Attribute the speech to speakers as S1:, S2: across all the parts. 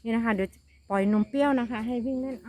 S1: นี่นะคะเดี๋ยวปล่อยนมเปรี้ยวนะคะ ให้วิ่งเล่น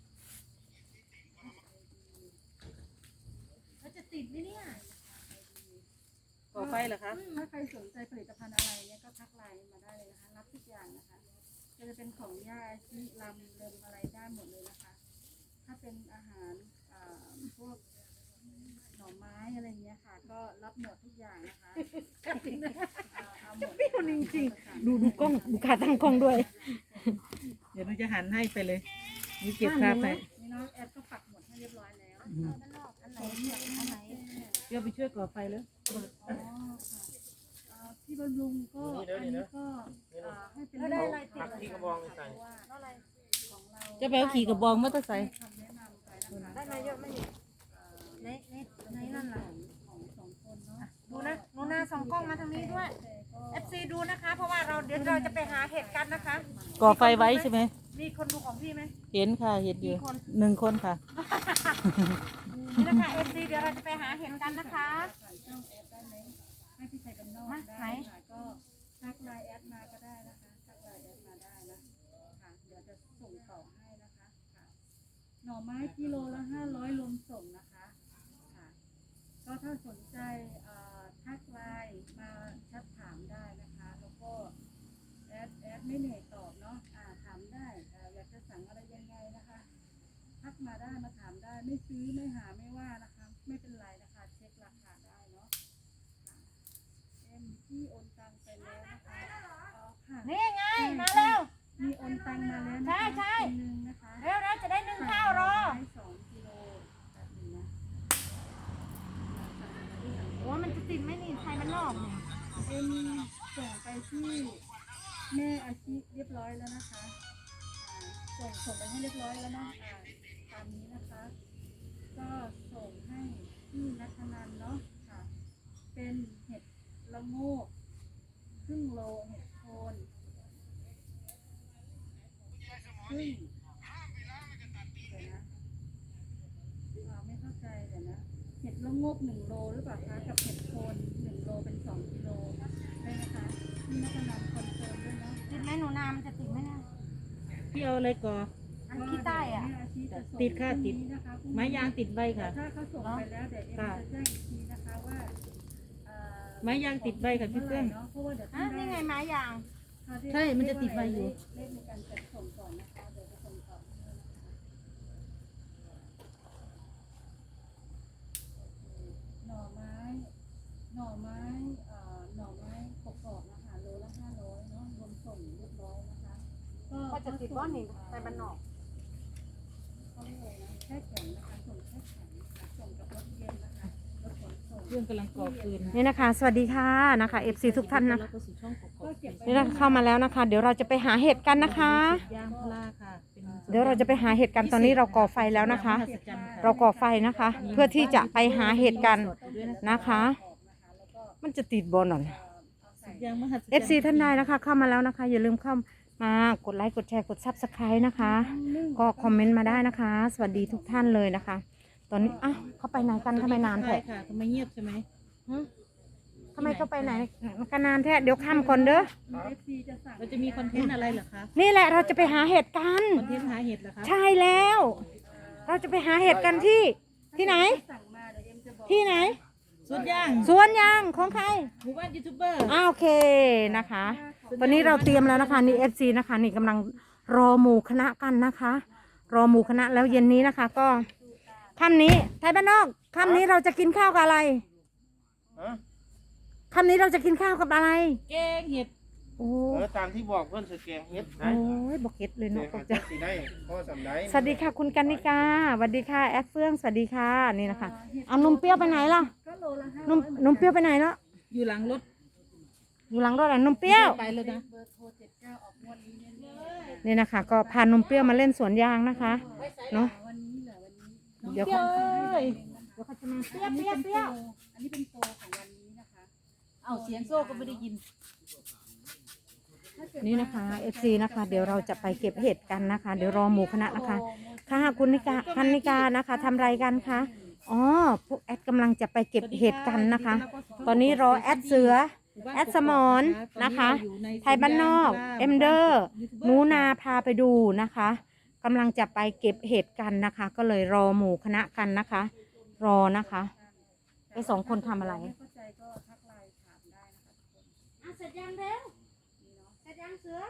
S2: แล้วจะติดไหมเนี่ย
S3: ก่อไฟเหรอคะ
S2: ถ้าใครสนใจผลิตภัณฑ์อะไรเนี่ยก็ทักไลน์มาได้เลยนะคะรับทุกอย่างนะคะจะเป็นของย่าที่ลำเริมอะไรได้หมดเลยนะคะ ถ้าเป็นอาหารพวกหน่อไม้อะไรเงี้ยค่ะก็รับหมดทุกอย่างนะคะเอาหมด
S1: พี่คนจริงๆดูกล้องดูขาตั้งกล้องด้วย
S3: เดี๋ยวหนูจะหันให้ไปเลยนี่เก็บภาพไป
S2: นี่น้องแอดก็ปักหมดให้เรียบร้อยแล้ว
S4: อันไหนเนี่ยอันไหน
S3: เดี๋ยวไปช่วยก่อไฟแล้ว
S2: อ๋อค่ะที่บำรุงก็อันนี้ก็ให้เป็น
S4: ได้อะไรติด
S5: ที่กระบองใส่
S4: อะไร
S2: ของเรา
S3: จะไปเอาขี่กระบองมอเตอร์ไซค์
S2: คำแนะนำไปนะคะ
S4: ได้มาเยอะไหมในนั่นล่ะ
S2: ของสองคนเนาะ
S4: ดูนะหนูนาส่องกล้องมาทางนี้ด้วย FC ดูนะคะ เพราะว่าเดี๋ยวเราจะไปหาเห็ดกันนะคะ
S3: ก่อไฟไว้ใช่ไหม
S4: มีคนดูของพี่ไหม
S3: เห็นค่ะเห็นอยู่
S4: กี่คน
S3: 1 คนค่ะ
S4: นี่นะคะ FC เดี๋ยวเราจะไปหาเห็ดกันนะคะ
S2: ผ่านช่องแอดได้ไหมให้พี่ชายกันนอก
S4: มา
S2: ได้
S4: ไหน
S2: ค่ะก็ทักไลน์แอดมาก็ได้นะคะทักไลน์แอดมาได้นะค่ะเดี๋ยวจะส่งต่อให้นะคะค่ะหน่อไม้กิโลละ500รวมส่งนะคะค่ะก็ถ้าสนใจทักไลน์มาแชทถามได้นะคะแล้วก็แอดไม่เหนื่อยตอบเนาะถามได้อยากจะสั่งอะไรยังไงนะคะทักมาได้มาถามได้ไม่ซื้อไม่หาไม่ว่านะคะไม่เป็นไรนะคะเช็คราคาได้เนาะค่ะที่โอนตังไปแล้วนะคะค่ะ
S4: นี่ไง มาเร็ว
S2: มีโอนตังมาแล้ว
S4: ใช่ใช่
S2: คนหนึ่งนะคะ
S4: เร็วเราจะได้นึ่งข้าวรอ
S2: ให้2 กิโลแบบนี้นะ
S4: โอ้มันจะติดไหมนี่ไทยมันนอกเนี่ย
S2: ส่งไปที่แม่อาชีเรียบร้อยแล้วนะคะส่งไปให้เรียบร้อยแล้วเนาะตามนี้นะคะ ก็ส่งให้ที่นัทนันเนาะค่ะ เป็นเห็ดละโงกครึ่งโลเห็ดโคนครึ่งเดี๋ยวนะไม่เข้าใจเดี๋ยวนะเห็ดละโงก1 โลหรือเปล่าคะกับเห็ดโคน1 โลเป็น2 กิโลได้นะคะที่นัทนันคอนเฟิร์มด้วยเนาะ
S4: ติดไหมหนูนามันจะติดไหมเนี่ย
S3: พี่เอาอะไรก่อ
S4: อันขี้ใต้อ่ะ
S2: แม่อาชีจะส่ง
S3: ติดค่ะติด
S2: พรุ่งนี้นะคะ
S3: ไม้ยางติดใบค่ะ
S2: ถ้าเขาส่งไปแล้วเดี๋ยวเอ็มจะแจ้งอีกทีนะคะว่า
S3: ไม้ยางติดใบค่ะพี่เพื่อน
S2: เนาะเพราะว่าเดี๋ยว
S4: อ่ะนี่ไงไม้ยาง
S3: ใช่มันจะติดใบอยู่
S2: เลขในการจัดส่งก่อนนะคะเดี๋ยวจะส่งต่อให้นะคะหน่อไม้หน่อไม้หน่อไม้กรอบๆนะคะโลละ500เนาะรวมส่งเรียบร้อยนะคะ
S4: ก็จะติดบ้อนนี่ไปบ้านนอก
S2: เขาเลยนะแช่แข็งนะคะส่งแช่แข็งนะคะส่งกับรถเย็นนะคะรถขนส่ง
S3: เรื่องกำลังก่อฟืน
S1: นี่นะคะ สวัสดีค่ะนะคะ FC ทุกท่านนะ
S3: แล้วก็สู่ช่องกอก
S1: นี่นะคะเข้ามาแล้วนะคะ เดี๋ยวเราจะไปหาเห็ดกันนะคะ
S3: ยางพาราค่ะเป็น
S1: เดี๋ยวเราจะไปหาเห็ดกันตอนนี้เราก่อไฟแล้วนะคะ เราก่อไฟนะคะ เพื่อที่จะไปหาเห็ดกันนะคะ มันจะติดบอลหน่อย
S3: ยางมหัศจรรย์
S1: FC ท่านใดนะคะ เข้ามาแล้วนะคะ อย่าลืมเข้ามากดไลค์กดแชร์กด Subscribe นะคะ ก็คอมเมนต์มาได้นะคะ สวัสดีทุกท่านเลยนะคะ ตอนนี้อ้าวเขาไปไหนกันทำไมนาน
S3: ใช่
S1: แท้
S3: ค่ะทำไมเงียบใช่ไหม
S1: หึทำไมเขาไปไหนกันนานแท้เดี๋ยวค่ำก่อนเด้อ
S2: FC จะสั่ง
S3: เราจะมีคอนเทนต์อะไรเหรอคะ
S1: นี่แหละเราจะไปหาเห็ดกัน
S3: คอนเทนต์หาเห็ดเหรอคะ
S1: ใช่แล้ว เราจะไปหาเห็ดกันที่ไหน
S2: สั่งมาเดี๋ยวเอ็มจะบอก
S1: ที่ไหน
S3: สุดย่าง
S1: สวนยางของใคร
S3: หมู่บ้านยูทูบเบอร์
S1: โอเคนะคะ ตอนนี้เราเตรียมแล้วนะคะนี่ FC นะคะนี่กำลังรอหมู่คณะกันนะคะ รอหมู่คณะแล้วเย็นนี้นะคะ ก็ค่ำนี้ไทยบ้านนอกค่ำนี้เราจะกินข้าวกับอะไร
S5: ฮะ
S1: ค่ำนี้เราจะกินข้าวกับอะไร
S3: แกงเห็ด
S1: โอ้
S5: ตามที่บอกเพื่อนสแกงเฮ็ด
S1: โอ้ยบอกเก็ตเลย
S5: เดี๋ย
S1: เนาะ
S5: ว
S1: ตกใจ
S5: จะสีได้พ่อสำได้
S1: สวัสดีค่ะคุณกันนิกาสวัสดีค่ะแอดเฟื่องสวัสดีค่ะนี่นะคะเอานมเปรี้ยวไปไหนล่ะ
S2: ก็โลละ
S1: นมเปรี้ยวไปไหนแล้ว
S3: อยู่หลังรถ
S1: อยู่หลังรถอ่ะนมเปรี้ยว
S3: ไปเลยนะ
S2: เบอร์โทร79ออกงวดนี้แน่
S1: นี่นะคะ ก็พานมเปรี้ยวมาเล่นสวนยางนะคะเนาะ
S2: ๆวันนี้เหรอวันนี้
S1: เดี๋ยว
S3: เจ้ย
S1: เดี๋ยวเขาจะมา
S2: เปรี้ยวเปรี้ยวเปรี้ยวอันนี้เป็นโปรของวันนี้นะคะ
S3: เอาเสียงโซ่ก็ไม่ได้ยิน
S1: นี่นะคะ FC นะคะ เดี๋ยวเราจะไปเก็บเห็ดกันนะคะ เดี๋ยวรอหมู่คณะนะคะค่ะคุณนิกาพันนิกานะคะทำไรกันคะอ๋อพวกแอดกำลังจะไปเก็บเห็ดกันนะคะ ตอนนี้รอแอดเสือ แอดสมอนนะคะ ไทยบ้านนอก เอ็มเดอร์ หนูนาพาไปดูนะคะกำลังจะไปเก็บเห็ดกันนะคะ ก็เลยรอหมู่คณะกันนะคะ รอนะคะไอ้สองคนทำอะไร
S2: ไม่เข้าใจก็ทักไลน์ถามได้นะคะทุกคน
S4: เสร็จยังเร็วเสร็จยังเสือ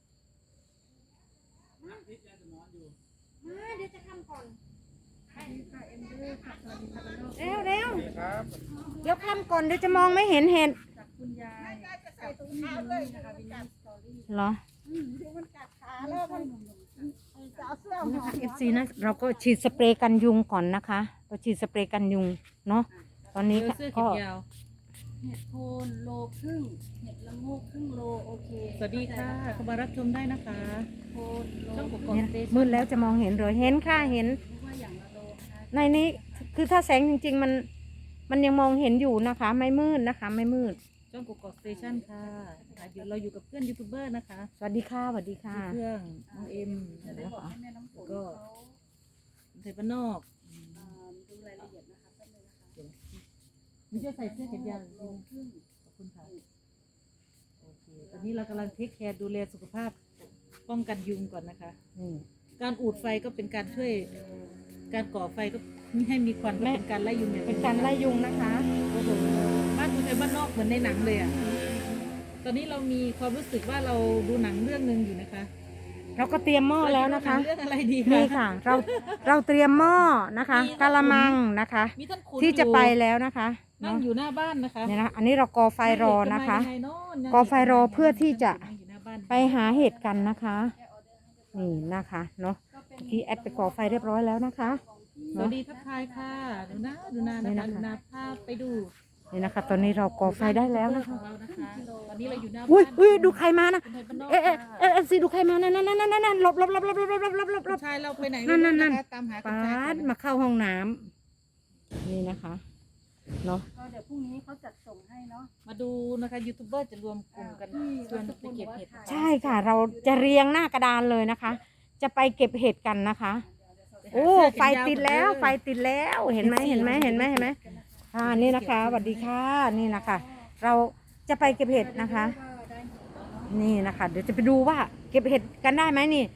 S4: มาเดี๋ยวจะทำก่อน
S2: สวัสดีค่ะเอ็มเดอร์ค่ะสวัสดีค่ะพี่น้อง
S1: เร็วเร็ว
S5: ครับ
S1: เดี๋ยวทำก่อนเดี๋ยวจะมองไม่เห็นเห็ด
S2: จากคุณยายจากคุณยายเลยนะคะวินนี่สตอรี่
S1: เหรอ
S2: มันกัดขาแล้วมันจะเอาเสื้อ
S1: นะ
S2: ห่อ
S1: คะ FC นะเราก็ฉีดสเปรย์กันยุงก่อนนะคะเราฉีดสเปรย์กันยุงเนาะตอนนี้
S3: เสื้อแข
S1: ก็
S3: นยาว
S2: เห็ดโคนโลครึ่งเห็ดละโงกครึ่งโลโอเค
S3: สวัสดีค่ะเข้ามารับชมได้นะคะ
S2: โคนโล
S3: ช่องก
S2: นึก
S3: กอก
S1: เนี่ย
S3: สเตชั
S1: มื
S3: น
S1: ดแล้วจะมองเห็นหรือเห็นค่ะเห็น
S2: ว่าอย่างละโลนะคะ
S1: ในนี้คือถ้าแสงจริงๆมันยังมองเห็นอยู่นะคะ ไม่มืดนะคะ ไม่มืด
S3: ช่องกกอกสเตชันค่ะเราอยู่กับเพื่อนยูทูบเบอร์นะคะ
S1: สวัสดีค่ะสวัสดีค่ะ
S3: เพื่อนน้องเอ็ม
S2: จะได้บอกให้แม่น้ำฝนเขา
S3: ไทยบ้านนอก
S2: ดูรายละเอียดนะคะแป๊บนึงนะคะ
S3: ไม่ใช่ใส่เสื้อแขนยาว
S2: โลครึ่ง
S3: ขอบคุณค่ะโอเคตอนนี้เรากำลังเทคแคร์ดูแลสุขภาพป้องกันยุงก่อนนะคะ
S1: นี่
S3: การอูดไฟก็เป็นการช่วย การก่อไฟก็ไม่ให้มีควันก็เป็นการไล่ยุงอย่างห
S1: เป็
S3: นึ่
S1: น
S3: ง
S1: การไล่ยุงนะคะ
S3: โอ้โหบ้านคุณไทยบ้านนอกเหมือนในหนังเลยอ่ะตอนนี้เรามีความรู้สึกว่าเราดูหนังเรื่องหนึ่งอยู่นะคะ
S1: เราก็เตรียมหม้อแล้วนะคะ
S3: เรื่องอะไรดี
S1: นี่
S3: คะ
S1: ค่ะ เราเตรียมหม้อนะคะกะละมังนะคะ
S3: มีท่านขุน
S1: ที่จะ
S3: อยู่
S1: ไปแล้วนะคะ
S3: นั่ง
S1: เนาะ
S3: อยู่หน้าบ้านนะคะ
S1: เนี่ยนะอันนี้เราก่อไฟรอนะคะ
S3: ยังไงเนาะ
S1: ก่อไฟรอเพื่อที่จะ
S3: นั่งอยู่หน้าบ้าน
S1: ไปหาเห็ดกันนะคะนี่นะคะเนาะเมื่อกี้แอดไปก่อไฟเรียบร้อยแล้วนะคะ
S3: สวัสดีทักทายค่ะดูนา
S1: นี่
S3: นะคะ
S1: นะคะ
S3: ดูนาภาพไปดู
S1: นี่นะคะ ตอนนี้เราก่อไฟได้แล้วนะคะ
S3: ของเรานะคะตอนนี้เราอยู่หน้าบ้าน
S1: อุ้ยดูใครมานะ
S3: คุณไทยบ้านนอก
S1: เอฟซีดูใครมานั่นหลบ
S3: คุณชายเราไปไหน
S1: นั่น
S3: ไม่รู้
S1: นั่น
S3: นะคะตามหาคุณ
S1: ปา
S3: ชาย
S1: ดมาเข้าห้องน้ำนี่นะคะเนาะ
S2: ก็เดี๋ยวพรุ่งนี้เขาจัดส่งให้เนาะ
S3: มาดูนะคะยูทูบเบอร์จะรวมกลุ่มกันชวนไปเก็บเห็ด
S1: ใช่ค่ะ เราจะเรียงหน้ากระดานเลยนะคะ จะไปเก็บเห็ดกันนะคะ โอ้ไฟติดแล้วไฟติดแล้วเห็นไหมนี่นะคะสวัสดีค่ะนี่นะคะ เราจะไปเก็บเห็ดนะคะ นี่นะคะ เดี๋ยวจะไปดูว่าเก็บเห็ดกันได้ไหมนี่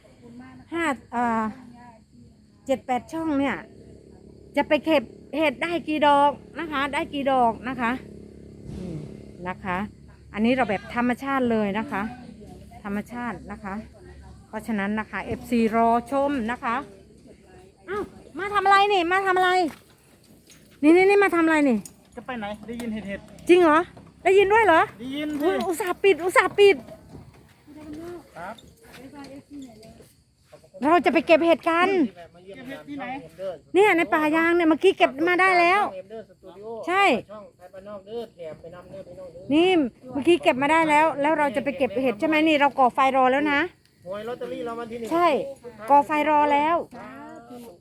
S1: 7-8 ช่องเนี่ย จะไปเก็บเห็ดได้กี่ดอกนะคะ ได้กี่ดอกนะคะนี่นะคะ อันนี้เราแบบธรรมชาติเลยนะคะ ธรรมชาตินะคะ เพราะฉะนั้นนะคะ FC รอชมนะคะอ้าวมาทำอะไรนี่มาทำอะไรนี่มาทำอะไรนี่
S5: จะไปไหนได้ยินเห็ด
S1: จริงเหรอได้ยินด้วยเหรอ
S5: ได้ยิน
S1: อุ๊ยอุตส่าห์ปิด
S5: ครับ
S1: เราจะไปเก็บเห็ดกัน
S5: ที่แบบมาเยี่ยมงานช่องเอ็มเดอร์
S1: เนี่ยในป่ายางเนี่ยเมื่อกี้เก็บมาได้แล้ว
S5: ช่องเอ็มเดอร์สตูดิโอ
S1: ใช่
S5: ช่องไทยบ้านนอกเด้อแถมไปนำเด้อไปน้องเด้อ
S1: นี่เมื่อกี้เก็บมาได้แล้ว แล้วเราจะไปเก็บเห็ดใช่ไหมนี่เราก่อไฟรอแล้วนะ
S5: หวยลอตเตอรี่เราวันที่หนึ่ง
S1: ใช่ก่อไฟรอแล้ว
S5: สาธุ